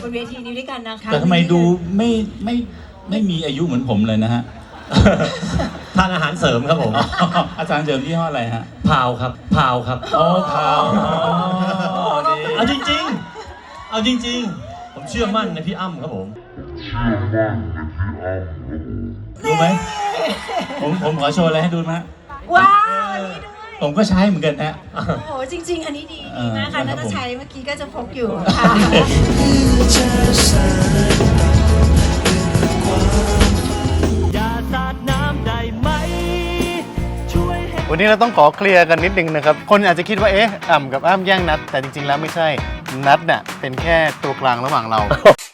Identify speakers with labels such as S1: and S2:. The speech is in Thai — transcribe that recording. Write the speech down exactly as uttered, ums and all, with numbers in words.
S1: นเวทีนี้ด้วยกันนะคะ
S2: แต่ทำไมดูไม่ไม่ไม่มีอายุเหมือนผมเลยนะฮะ
S3: ทานอาหารเสริมครับผม
S2: อาจารย์เสริมยี่ห้ออะไรฮะ
S3: พาวครับพาวครับ
S2: โอ้พาว
S3: เอาจริงๆเอาจริงๆผมเชื่อมั่นในพี่อ้ำครับผม
S2: ดูไหมผมผมขอโชว์อะไรให้ดูนะ
S1: ว้าวอันนี้ด้วย
S2: ผมก็ใช้เหมือนกันฮะ
S1: โอ้โหจริงๆ อันนี้ดีดีมากค่ะ
S2: เออ
S1: น่า
S2: ครับ
S1: จะ
S2: ผม
S1: ใช้เมื่อกี้ก็จะพกอยู่ค่ะ
S3: อย่าสาดน้ำได้ไหมช่วยให้
S4: วันนี้เราต้องขอเคลียร์กันนิดนึงนะครับ คนอาจจะคิดว่าเอ๊ะอ่ำกับอ้ำแย่งนัดแต่จริงๆแล้วไม่ใช่นัดเนี่ยเป็นแค่ตัวกลางระหว่างเรา